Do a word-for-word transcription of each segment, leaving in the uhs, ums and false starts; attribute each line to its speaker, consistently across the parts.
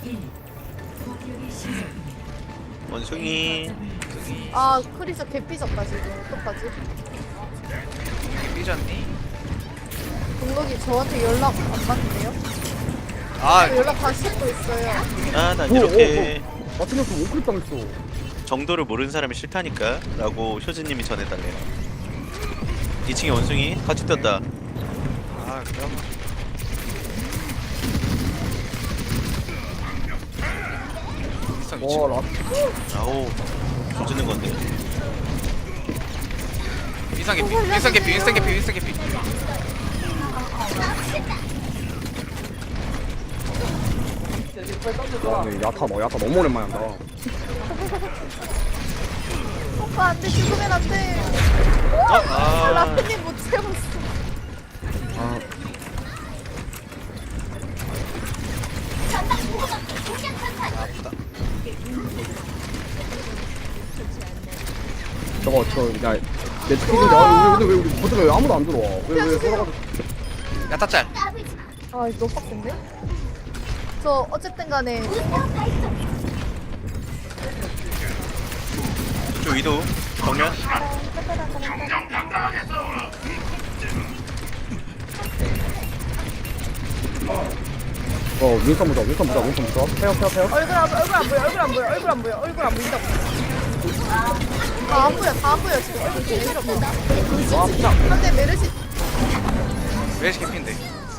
Speaker 1: 원숭이.
Speaker 2: 아 크리스 개삐졌다 지금. 어떡하지?
Speaker 3: 삐졌니?
Speaker 2: 동록이 저한테 연락 안 받는데요?
Speaker 3: 아
Speaker 2: 연락 다시 또 있어요.
Speaker 1: 아, 난
Speaker 4: 오,
Speaker 1: 이렇게
Speaker 4: 마틴 형도 오클 당했어.
Speaker 1: 정도를 모르는 사람이 싫다니까 라고 효진님이 전해달래요. 이 층에 원숭이 같이 떴다.
Speaker 3: 아 그래요?
Speaker 4: 와 라.
Speaker 1: 아우, 조지는 건데.
Speaker 3: 윈선 개피 윈선 개피 윈선 개피 윈선 개피
Speaker 4: 와 근데 야타 너 야타 너무 오랜만에 한다.
Speaker 2: 오빠 안돼 죽으면 안돼.
Speaker 1: 아,
Speaker 2: 라프님 못 채웠어.
Speaker 4: 아. 저거 저야내 스킬인데 아 근데 왜 우리 버튼에 왜 아무도 안 들어와? 왜왜 돌아가지고?
Speaker 3: 야타짤
Speaker 2: 아 이거 너무 빡센데? 저 어쨌든 간에
Speaker 1: 저 위도 정면.
Speaker 4: 어 윈선 보자 윈선 보자 윈선 보자. 페어 페어 페어.
Speaker 2: 얼굴 안, 얼굴 안 보여 얼굴 안 보여 얼굴 안 보여 얼굴 안 보인다고. 다안 보여 다 안 보여 지금 얼굴 제일 싫어.
Speaker 4: 와 진짜.
Speaker 2: 근데 메르시
Speaker 3: 왜 개피인데?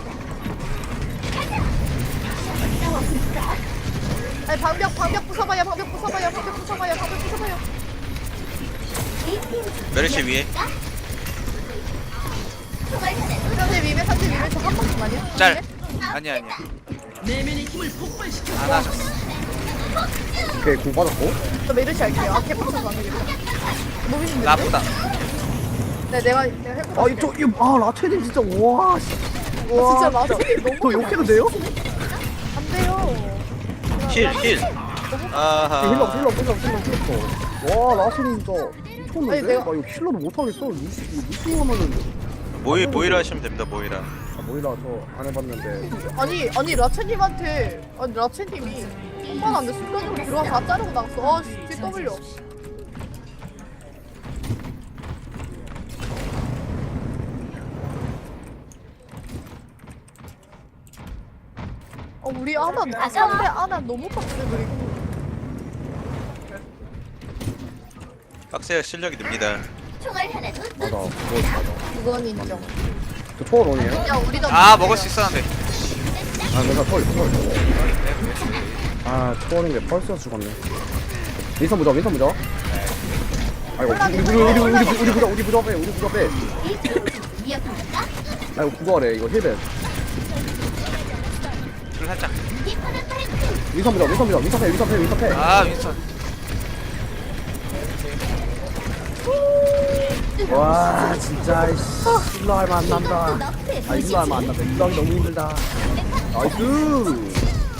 Speaker 2: 아니 방벽 방벽 부숴봐요 방벽 부숴봐요 방벽 부숴봐요 방벽 부숴봐요.
Speaker 1: 메르시 위에.
Speaker 2: 상대 위메 상대 위메 저 한 번만요.
Speaker 3: 짤 아니야 아니야 안 하셨어
Speaker 4: 오케이 공 받았고.
Speaker 2: 저 메르시 할게요. 아 개빡쳐서 안 되겠다. 무빙인데?
Speaker 3: 나쁘다
Speaker 2: 네 내가 내가 해볼게.
Speaker 4: 아 이거 이아 라체님 진짜 와. 씨.
Speaker 2: 와 진짜 라틴이 너무
Speaker 4: 저 욕해도 돼요?
Speaker 2: 안 돼요.
Speaker 1: 힐, 힐. 아하.
Speaker 4: 힐러 힐러 힐러 힐러 힐러. 와 라체님 진짜 미쳤는데?
Speaker 2: 아니, 내가-
Speaker 4: 나 이거 힐러도 못하겠어. 루시 루시 하면은.
Speaker 1: 모이, 모이라 하시면 됩니다, 모이라.
Speaker 4: 아 모이라 저 안 해봤는데.
Speaker 2: 아니 아니 라첸님한테 아니 라첸님이 한번 안돼 순간적으로 들어와 다 자르고 나갔어. 아 씨, W. 어 우리 아나 상대 아나 너무 빡세 그리고.
Speaker 1: 빡세야 실력이 늡니다.
Speaker 4: 맞아 그거 맞아.
Speaker 2: 그건 인정.
Speaker 4: 저 초월 원이에요?
Speaker 2: 야 우리도
Speaker 3: 아 먹을 수 있었는데
Speaker 4: 아 내가 초월 초월. 아 초월인 게 펄스여서 죽었네. 윈선 보자 윈선 보자. 아이고 우리 우리 우리 우리 우리 우리 부자 우리 부자 빼 우리 부자 빼. 아이고 구거래 이거 힐벤.
Speaker 3: 줄 살짝
Speaker 4: 윈선 보자 윈선 보자 윈선 패 윈선 패 윈선 패.
Speaker 3: 아 윈선
Speaker 4: 와 진짜 씨 일로 하면 안 난다. 아 일로 하면 안 난다. 일로 하기 너무 힘들다. 나이스.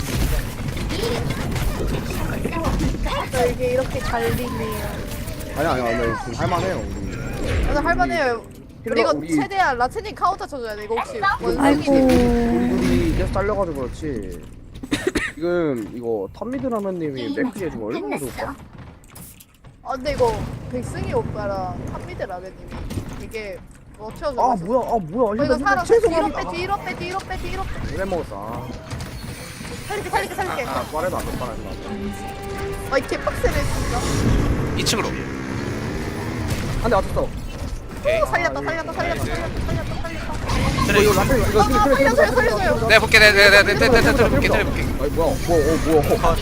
Speaker 2: 저 이게 이렇게 갈리네요.
Speaker 4: 아니 아니 아니 지금 할만해요 우리.
Speaker 2: 맞아 할만해요. 우리 이거
Speaker 4: 우리-
Speaker 2: 최대한 라첸님 카운터 쳐줘야 돼. 이거 혹시
Speaker 4: 우리
Speaker 2: 원숭이님
Speaker 4: 둘이 계속 잘려가지고 그렇지. 지금 이거 탑미드 라면님이 맥크리 해주고 얼마나 좋을까?
Speaker 2: 아 근데 이거 백승희 오빠랑 탑미드 라벤님이 이게 뭐 채워줘.
Speaker 4: 아 뭐야 아 뭐야
Speaker 2: 어, 이거
Speaker 4: 힐벤
Speaker 2: 살아.
Speaker 4: 힐벤
Speaker 2: 뒤로
Speaker 4: 죄송합니다.
Speaker 2: 빼 뒤로 빼 뒤로 빼 뒤로 빼.
Speaker 4: 오래 먹었어. 아,
Speaker 2: 살릴게 살릴게 살릴게.
Speaker 4: 아 빠르다 안 돼, 빠르다 안 돼.
Speaker 2: 아 이 개빡세네 진짜.
Speaker 3: 이 층으로
Speaker 4: 한대 맞췄어.
Speaker 3: 오케이
Speaker 2: 오, 살렸다 살렸다 살렸다 살렸다 살렸다 살렸다.
Speaker 4: 이거 이거 라페 이거
Speaker 2: 아, 아, 살려줘요, 살려줘요.
Speaker 3: 내가 볼게 내가 내가 내가 내가 내가 볼게 내가 볼게
Speaker 4: 아니 뭐야 뭐 어, 뭐야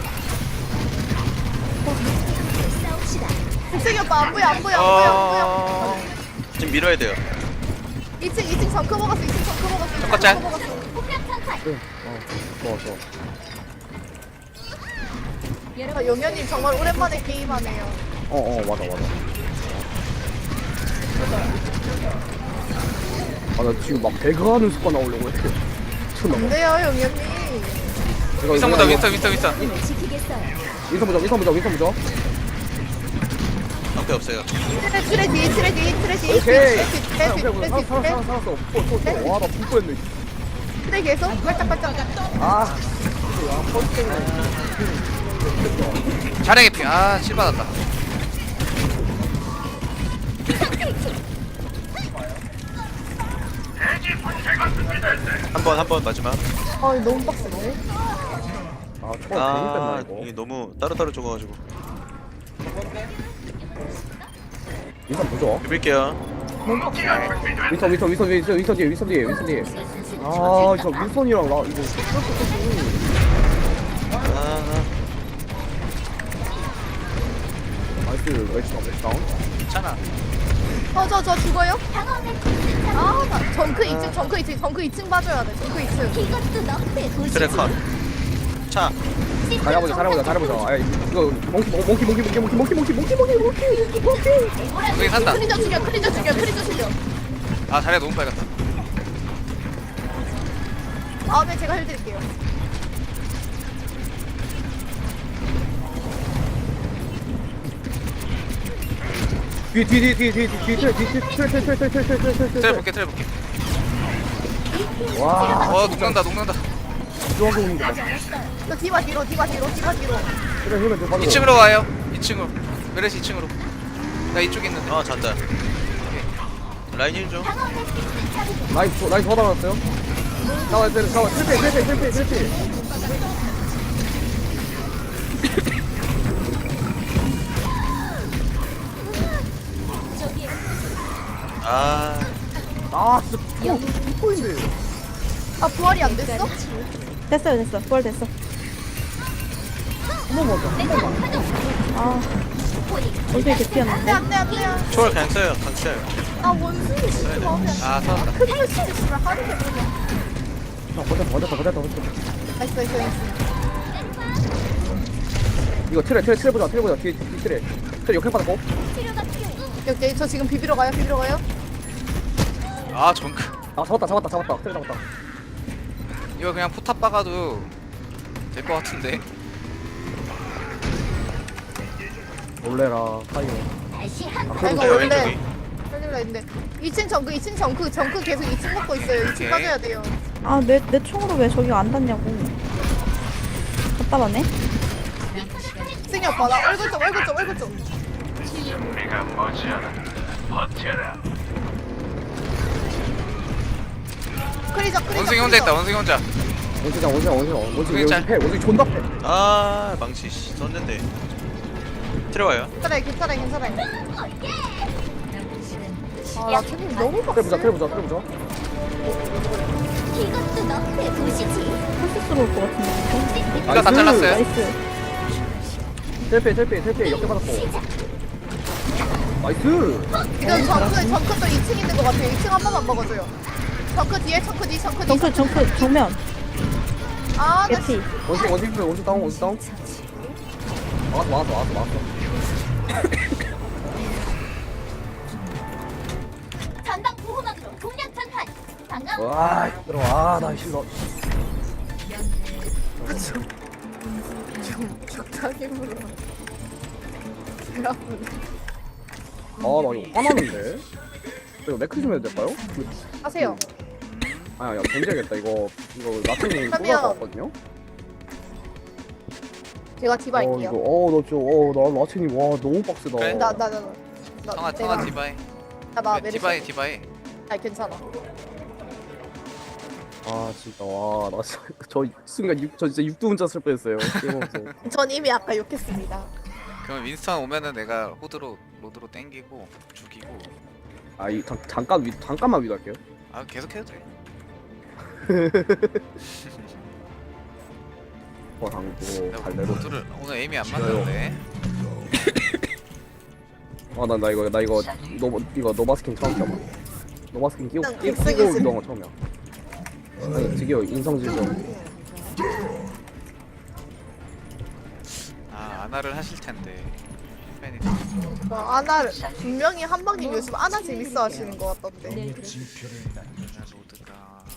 Speaker 2: 백승희 오빠 안 보여 안 보여 안 보여 안 보여.
Speaker 3: 어...
Speaker 1: 지금 밀어야 돼요.
Speaker 2: 이 층 이 층 정크 먹었어 이 층 정크 먹었어. 이 층
Speaker 3: 정크 짤.
Speaker 2: 정크 먹었어.
Speaker 4: 응, 어 좋아 좋아.
Speaker 2: 아, 영현님 정말 오랜만에 게임하네요.
Speaker 4: 어어 맞아 맞아. 아나 지금 막 배그하는 습관 나오려고 해. 미쳤나
Speaker 2: 안
Speaker 4: 봐.
Speaker 2: 돼요 영현님.
Speaker 4: 이거
Speaker 3: 윈선
Speaker 4: 이거
Speaker 3: 보자
Speaker 4: 이거
Speaker 3: 윈선 윈선 윈선
Speaker 4: 윈선 보자 윈선 보자 윈선 보자.
Speaker 1: 앞에 없어요.
Speaker 2: 트레 트레 뒤 트레 뒤 트레 뒤
Speaker 4: 오케이.
Speaker 2: 트레 뒤
Speaker 4: 아,
Speaker 2: 트레
Speaker 4: 오케이
Speaker 2: 뒤
Speaker 4: 오케이
Speaker 2: 트레
Speaker 4: 살았어
Speaker 2: 뒤
Speaker 4: 살았어 살았어. 와나 불 뻔했네.
Speaker 2: 트레 계속 발짝 발짝.
Speaker 4: 아.
Speaker 3: 자랭이 피. 아, 칠 받았다.
Speaker 1: 한 번 한 번 마지막.
Speaker 2: 아 너무 빡센데?
Speaker 4: 아 초월 괜히 뺐나
Speaker 1: 아
Speaker 4: 이거.
Speaker 1: 이게 너무 따로따로 죽어가지고.
Speaker 4: 인선 보죠.
Speaker 1: 비빌게요.
Speaker 4: 위선 위선 위선 위선 위선 뒤에 위선 뒤에 위선 뒤에. 아저 위선이랑 나 이거
Speaker 1: 아,
Speaker 4: 나이스 웨이스 웨이스 다운.
Speaker 3: 괜찮아.
Speaker 2: 어저 저 죽어요? 아나 정크 이 층 정크 이 층 정크 이 층 봐줘야 돼 정크 이 층.
Speaker 5: 이것도 너의 도시지.
Speaker 1: 트랙컷. 차.
Speaker 4: 잘해보자 잘해보자 잘해보자. 아 이거 몽키 몽키 몽키 몽키 몽키 몽키 몽키 몽키 몽키 몽키 몽키.
Speaker 3: 여기 산다.
Speaker 2: 크리저 죽여 크리저 죽여 크리저 죽여.
Speaker 3: 아, 자리가 너무 빨갛다.
Speaker 2: 다음에 제가 해드릴게요.
Speaker 4: 뒤 뒤 뒤 뒤 뒤 뒤 뒤 뒤
Speaker 3: 트레 볼게, 트레 볼게.
Speaker 4: 와
Speaker 3: 어, 녹는다, 녹는다.
Speaker 4: 좋아하고 있는 거 봐.
Speaker 2: 저 디바 뒤로 디바 뒤로 디바 뒤로.
Speaker 4: 그래 그래 저 바로.
Speaker 3: 이 층으로 와요. 이 층으로. 메르시 이 층으로. 나 이쪽에 있는데.
Speaker 1: 아 잔다. 라인 일 좀.
Speaker 4: 라인 더 라인 더 나왔어요. 나와 때려 나와 실패 실패 실패 실패.
Speaker 1: 아
Speaker 4: 아 진짜 포인트.
Speaker 2: 아 부활이 안 됐어?
Speaker 6: 됐어요 됐어 부활 됐어.
Speaker 4: 한번 먹자.
Speaker 6: 아 어제 이렇게
Speaker 2: 안돼
Speaker 6: 피었는데.
Speaker 2: 안돼 안돼.
Speaker 1: 초월 그냥 써요. 그냥 써요.
Speaker 2: 아 원숭이 진짜 마음에 안
Speaker 3: 아, 살았다.
Speaker 2: 그 할수 있으면 하는 게 뭐냐.
Speaker 4: 아 버텼다 버텼다 버텼다 버텼다.
Speaker 2: 나이스 나이스 나이스.
Speaker 4: 이거 트레 트레 트레 보자 트레 보자 뒤에 뒤 트레 트레 역행 받았고.
Speaker 2: 오케이 저 지금 비비러 가요 비비러 가요.
Speaker 3: 아, 정크.
Speaker 4: 아 잡았다 잡았다 잡았다 트레 잡았다.
Speaker 3: 이거 그냥 포탑 박아도 될 것 같은데.
Speaker 4: 놀래라 타이어.
Speaker 5: 다시 한
Speaker 4: 아
Speaker 2: 아
Speaker 4: 그래도
Speaker 2: 이거
Speaker 1: 네,
Speaker 2: 원래
Speaker 1: 왼쪽이.
Speaker 2: 살릴라 했는데 이 층 정크 이 층 정크 정크 계속 이 층 먹고 있어요. 이 층
Speaker 3: 오케이.
Speaker 2: 빠져야 돼요.
Speaker 6: 아내 내 총으로 왜 저기 안 닿냐고. 답답하네.
Speaker 2: 승희 오빠 나 얼굴 좀 얼굴 좀 얼굴 좀. 크리저 크리저.
Speaker 3: 원숭이 혼자 있다, 원숭이 혼자.
Speaker 4: 원시장 원시장 원시장 원시장
Speaker 3: 괜찮-
Speaker 4: 원시 패 원시 존나 패.
Speaker 1: 아 망치 씨, 썼는데. 들어와요.
Speaker 2: 괜찮아요 괜찮아요 괜찮아요. 아나 지금 너무
Speaker 4: 트레 보자
Speaker 2: 빡세.
Speaker 4: 트레 보자 트레 보자.
Speaker 5: 이것도 너의 도시지.
Speaker 6: 헐스스러울 것 같은데.
Speaker 3: 이거 다 잘랐어요.
Speaker 6: 나이스.
Speaker 4: 텔페 텔페 텔페 역행 받았고. 나이스.
Speaker 2: 지금 정크 정크도 이 층 있는 것 같아요. 이 층 한 번만 먹어줘요. 정크 뒤에 정크 뒤 정크 뒤.
Speaker 6: 정크 정크 정면.
Speaker 2: 아나
Speaker 6: 예피.
Speaker 4: 원시 원시 패 원시 다운 원시 다운. 막았어 막았어 막았어 막았어.
Speaker 5: 전방 보호막으로 공략 전환. 방금
Speaker 4: 와 들어와 나 싫어.
Speaker 2: 좀 적당히 물어. 배 아프네.
Speaker 4: 아나 이거 화나는데. 이거 매크 좀 해도 될까요?
Speaker 2: 하세요.
Speaker 4: 아야 던져야겠다 이거 이거 라틴이
Speaker 2: 그러면-
Speaker 4: 쏟아서 왔거든요.
Speaker 2: 제가 디바
Speaker 4: 어
Speaker 2: 할게요.
Speaker 4: 이거 어나 진짜 어나 라틴이 와 너무 빡세다.
Speaker 3: 그래?
Speaker 2: 나 나 나 나.
Speaker 3: 성아,
Speaker 2: 내가
Speaker 3: 성아 디바이.
Speaker 2: 나나
Speaker 3: 네,
Speaker 2: 메르시.
Speaker 3: 디바이, 디바이.
Speaker 2: 아 괜찮아.
Speaker 4: 아 진짜 와나 진짜 저 순간 육, 저 진짜 육두 문자 쓸 뻔했어요. 게임하면서.
Speaker 2: 전 이미 아까 욕했습니다.
Speaker 3: 그럼 윈스턴 오면은 내가 호드로, 로드로 땡기고, 죽이고.
Speaker 4: 아이 잠깐 위 잠깐만 위도할게요.
Speaker 3: 아, 계속 해도 돼.
Speaker 4: 어 당고
Speaker 3: 내가
Speaker 4: 갈래로.
Speaker 3: 로드를, 오늘 에임이 안 맞는데.
Speaker 4: 아나 나 이거 나 이거 노 이거 노바스킨 처음 껴봐. 노바스킨 끼고
Speaker 2: 일단
Speaker 4: 끼- 끼고
Speaker 2: 극성이지.
Speaker 4: 위도한 거 처음이야. 아니 드디어 인성질적.
Speaker 3: 아, 아나를 하실 텐데. 팬이
Speaker 2: 어, 아나 분명히 한방님 요즘 아나 재밌어 하시는 것 같던데.
Speaker 3: 로드가.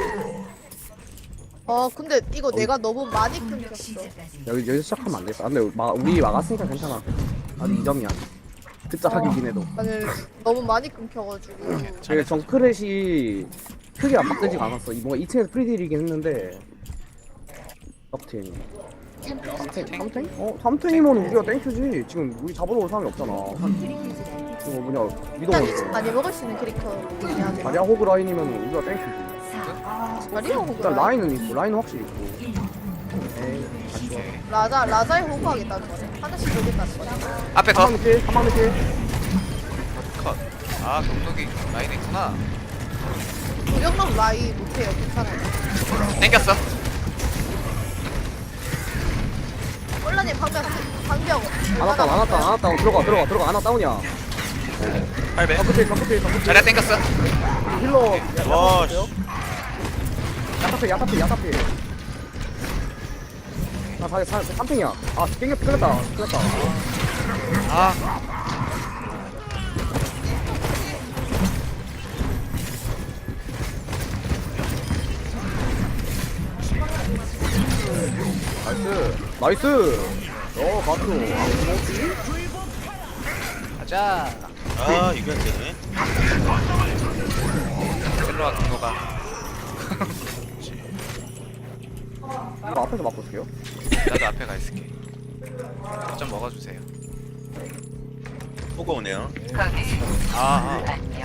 Speaker 2: 어 근데 이거 내가 너무 많이 끊겼어.
Speaker 4: 여기 여기서 시작하면 안 되겠다. 근데 마, 우리 막았으니까 괜찮아. 아직 이 점이야. 듣자하기긴 해도.
Speaker 2: 아니 너무 많이 끊겨가지고.
Speaker 4: 이게 정크렛이 크게 압박되지가 않았어. 이 뭔가 이 층에서 프리딜이긴 했는데 막 팀.
Speaker 5: 잠깐
Speaker 4: 삼탱? 어 삼탱이면 우리가 땡큐지. 지금 우리 잡으러 올 사람이 없잖아. 그거 뭐냐
Speaker 2: 일단
Speaker 4: 미동원
Speaker 2: 많이 먹을 수 있는 캐릭터 중요하게.
Speaker 4: 자리야 호그 라인이면 우리가 땡큐지.
Speaker 2: 자리야 호그.
Speaker 4: 일단 라인은 있고 라인은 확실히 있고. 에이 같이 와.
Speaker 2: 라자 라자에 호그 하겠다는 거네. 하나씩 보겠다는 거네.
Speaker 3: 앞에 더.
Speaker 4: 한방 늦게 한방 늦게.
Speaker 3: 컷. 아 경독이 라인에 있구나.
Speaker 2: 무력남 라이 못해요. 괜찮아요.
Speaker 3: 땡겼어.
Speaker 2: 꼴라님 방벽 방벽.
Speaker 4: 안 왔다 안 왔다 안 왔다 들어가 들어가 들어가 안 왔다 오냐.
Speaker 1: 팔 배.
Speaker 4: 덕분에 덕분에 덕분에
Speaker 3: 자리야 땡겼어.
Speaker 4: 힐러.
Speaker 1: 와, 씨.
Speaker 4: 야타필 야타필 야타필. 아 사, 사, 삼탱이야. 아 깽겨 끌렸다 끌렸다.
Speaker 3: 아
Speaker 4: 나이스 나이스. 어 가수.
Speaker 3: 가자.
Speaker 1: 아, 이게 안 되네.
Speaker 3: 셀로와 경도가.
Speaker 4: 이거 앞에서 맞고 올게요.
Speaker 3: 나도 앞에 가 있을게. 좀 먹어주세요.
Speaker 1: 호구 오네요.
Speaker 3: 아, 아.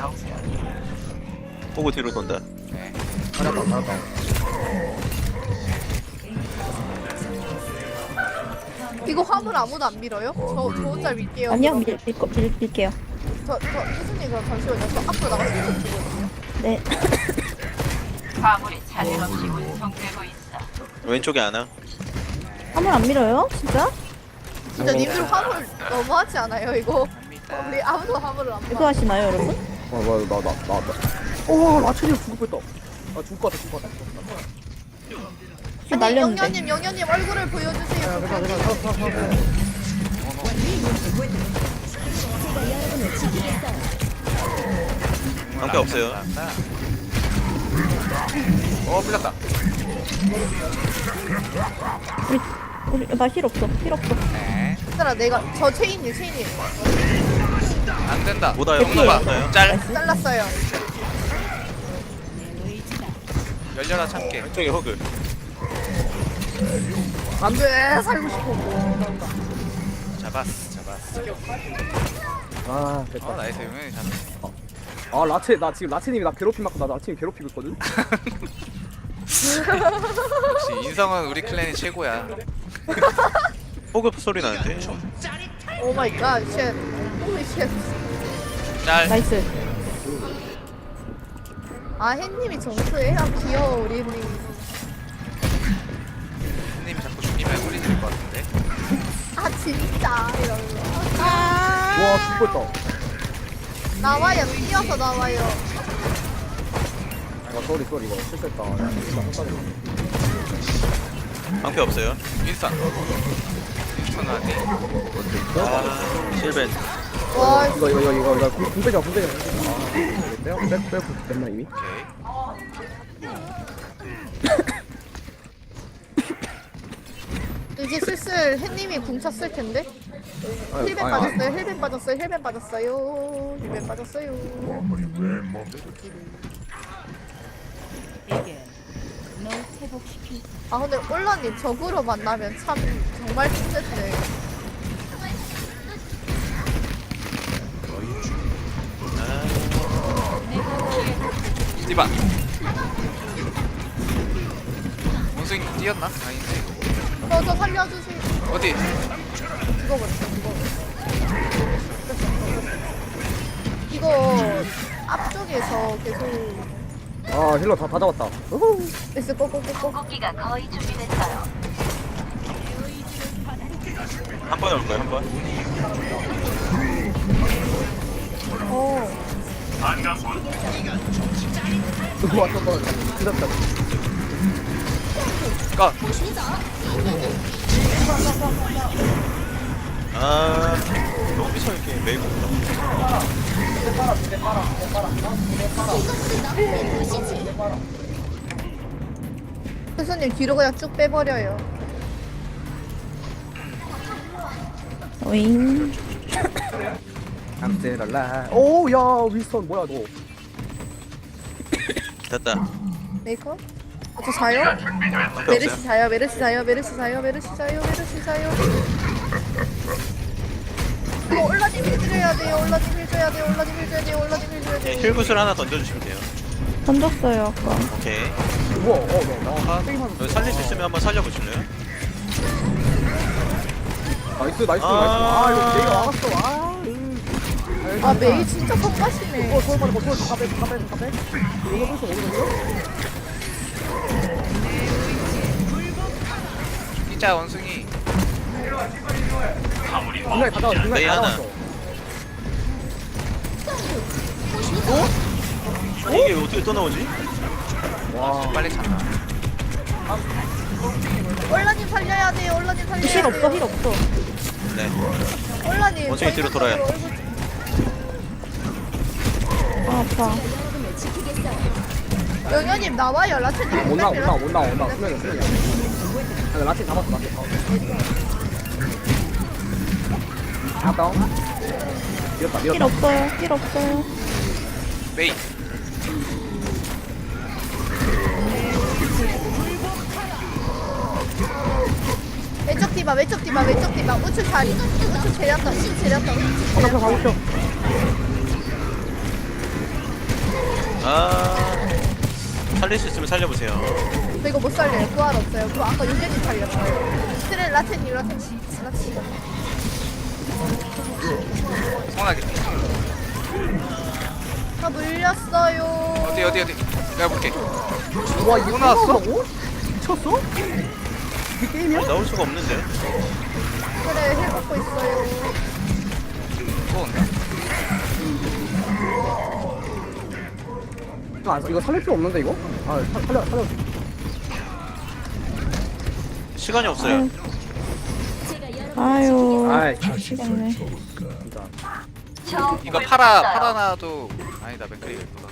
Speaker 1: 호구 뒤로 돈다.
Speaker 3: 네.
Speaker 4: 잘했다 잘했다.
Speaker 2: 이거 화물 아무도 안 밀어요? 저, 저 혼자 밀게요.
Speaker 6: 아니요 밀, 밀, 거- 밀, 밀게요.
Speaker 2: 저, 저, 교수님 그럼 잠시만요. 저 앞으로 나가서 계속 주거든요.
Speaker 6: 네.
Speaker 7: 화물이 차질 없이 운송되고 있어.
Speaker 1: 왼쪽에 하나.
Speaker 6: 화물 안 밀어요? 진짜?
Speaker 2: 진짜 님들 화물 너무하지 않아요, 이거? 우리 아무도 화물을 안
Speaker 6: 이거
Speaker 2: 봐.
Speaker 6: 하시나요 여러분?
Speaker 4: 어 뭐야 나나 나 나. 오 라첸이 죽을 뻔했다. 아 죽을 것 같아 죽을 것 같아.
Speaker 6: 아, 날렸는데.
Speaker 2: 영현님, 영현님 얼굴을 보여주세요.
Speaker 4: 야 괜찮아 괜찮아 살았어 살았어.
Speaker 1: 방패 없어요.
Speaker 3: 어 풀렸다.
Speaker 6: 우리 우리 나 힐 없어. 힐 없어.
Speaker 3: 네.
Speaker 2: 얘들아, 내가 저 체인이 체인이
Speaker 3: 안 된다.
Speaker 1: 못 와요, 못 와요, 못 와요.
Speaker 3: 경도가 짤.
Speaker 2: 잘랐어요.
Speaker 3: 열려라 참깨.
Speaker 1: 왼쪽에 호그.
Speaker 2: 안돼, 살고 싶어.
Speaker 3: 잡았어, 잡았어.
Speaker 4: 아 됐다.
Speaker 3: 어 나이스 유명히 잡았어.
Speaker 4: 아 라체 나 지금 라체님이 나 괴롭힘 맞고 나 라체님 괴롭히고 있거든.
Speaker 3: 역시 인성은 우리 클랜이 최고야.
Speaker 1: 호그 소리 나는데.
Speaker 2: 오 마이 갓, 쉣. 홀리 쉣.
Speaker 3: 짤.
Speaker 6: 나이스.
Speaker 2: 아, 햇님이 정수해? 아, 귀여워, 우리 햇님.
Speaker 3: 님이 자꾸 죽이면 소리 지를 것 같은데.
Speaker 2: 아, 진짜. 이러면서.
Speaker 4: 와 죽을 뻔했다.
Speaker 2: 나와요, 뛰어서 나와요.
Speaker 4: 아 쏘리 쏘리 이거 실수했다. 야, 진짜 헛다리네.
Speaker 1: 방패 없어요.
Speaker 3: 윈스턴. 윈스턴 아니.
Speaker 1: 아, 실벤.
Speaker 2: 와,
Speaker 4: 이거 이거 이거 이거 이거 궁 빼자 궁 빼자. 아 빼요 빼 빼고 됐나 이미?
Speaker 3: 오케이.
Speaker 2: 이제 슬슬 햇님이 궁 찼을 텐데?
Speaker 4: 아유,
Speaker 2: 힐벤
Speaker 4: 아유,
Speaker 2: 빠졌어요, 힐벤 빠졌어요, 힐벤 빠졌어요. 힐벤 빠졌어요. 아, 근데 올라님 적으로 만나면 참 정말 힘든데.
Speaker 3: 디바. 원숭이 뛰었나? 아닌데.
Speaker 2: 저, 저 살려주세요.
Speaker 3: 어디?
Speaker 2: 죽어버렸어, 죽어버렸어. 이거 앞쪽에서 계속
Speaker 4: 아 힐러 다, 다 잡았다. 우후.
Speaker 2: 있을 꼬꼬꼬꼬.
Speaker 7: 고기가 거의 준비됐어요.
Speaker 1: 한 번에 올 거예요, 한 번.
Speaker 2: 어.
Speaker 4: 누구 왔어 또. 끝났다.
Speaker 3: 컷.
Speaker 1: 아, 너무 미쳐있게 메이고 있다.
Speaker 2: 교수님 뒤로 그냥 쭉 빼버려요.
Speaker 6: 오잉.
Speaker 4: 암스랄라. 오야 윌슨 뭐야 너.
Speaker 1: 됐다.
Speaker 2: 메이커? 저 자요?
Speaker 1: 방패
Speaker 2: 메르시
Speaker 1: 없어요?
Speaker 2: 자요, 메르시 자요, 메르시 자요, 메르시 자요, 메르시 자요. 이거 올라님 해줘야 돼요, 올라님 해줘야 돼요, 올라님 해줘야 돼요, 올라님 해줘야
Speaker 1: 네,
Speaker 2: 돼요.
Speaker 1: 힐구슬 하나 던져주시면 돼요.
Speaker 6: 던졌어요 아까.
Speaker 1: 오케이.
Speaker 4: 우와 어나나 게임하는
Speaker 1: 여기 살릴 수 있으면 한번 살려보실래요?
Speaker 4: 나이스 나이스 나이스.
Speaker 1: 아.
Speaker 4: 아 이거 내가 막았어. 아. 으.
Speaker 2: 아 메이 진짜 성가시네.
Speaker 4: 어 서울 빨리 서울 가빼 가빼 가빼. 이거 벌써 오거든요.
Speaker 3: 진짜 원숭이.
Speaker 4: 중간에 다 나왔어. 중간에
Speaker 1: 메이
Speaker 4: 다
Speaker 1: 하나.
Speaker 4: 나왔어.
Speaker 1: 아, 이게 어떻게 또 나오지?
Speaker 4: 와.
Speaker 3: 빨리 찬다.
Speaker 2: 올라님 살려야 돼요, 올라님 살려야
Speaker 6: 힐
Speaker 2: 돼요.
Speaker 6: 없어 힐 없어.
Speaker 1: 네.
Speaker 2: 올라님.
Speaker 1: 원숭이 뒤로 돌아요.
Speaker 2: 얼굴
Speaker 6: 아 아파.
Speaker 2: 영현님 나와요, 라체님.
Speaker 4: 못 나와 못 나와 못 나와 못 나와. 수면이 수면이. 아 라틴 잡았어 라틴 잡았어. 아 다운. 밀었다
Speaker 6: 힐
Speaker 4: 밀었다.
Speaker 6: 없어요 힐 없어요.
Speaker 3: 메이.
Speaker 2: 왼쪽 디바, 왼쪽 디바, 왼쪽 디바. 우측 자리. 우측 제렸다, 우측 제렸다, 우측
Speaker 4: 가고
Speaker 2: 제렸다.
Speaker 4: 가고 싶어.
Speaker 1: 아, 살릴 수 있으면 살려보세요.
Speaker 2: 저 이거 못 살려요. 부활 없어요. 그거 아까 윤재님 살렸어요. 스트레 라체님, 라체님, 라체님.
Speaker 3: 성하게.
Speaker 2: 다 물렸어요.
Speaker 3: 어디 어디 어디. 내가 볼게.
Speaker 4: 와 이거
Speaker 3: 나왔어?
Speaker 4: 나왔어? 미쳤어? 이게 게임이야?
Speaker 1: 나올 수가 없는데.
Speaker 2: 그래, 힐 먹고 있어요.
Speaker 3: 또 온다.
Speaker 4: 이거 안 써. 이거 살릴 필요 없는데 이거? 아 살- 살려 살려.
Speaker 1: 시간이 없어요.
Speaker 6: 아유.
Speaker 4: 아이
Speaker 6: 미치겠네.
Speaker 4: 진짜.
Speaker 3: 이거 팔아 팔아놔도 아니다 맥크리 예쁘다.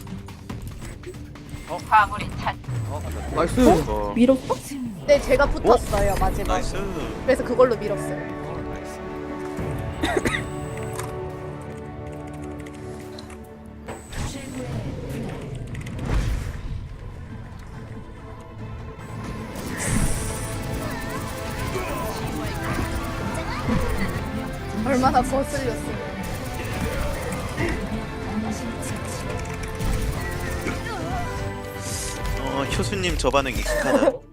Speaker 7: 화물이 찼.
Speaker 3: 어?
Speaker 4: 나이스.
Speaker 1: 이거.
Speaker 6: 밀었어?
Speaker 2: 네, 제가 붙었어요, 마지막에.
Speaker 1: 나이스.
Speaker 2: 그래서 그걸로 밀었어요.
Speaker 3: 나이스.
Speaker 2: 얼마나 거슬렸어요.
Speaker 1: 어, 효수님 저 반응 익숙하다.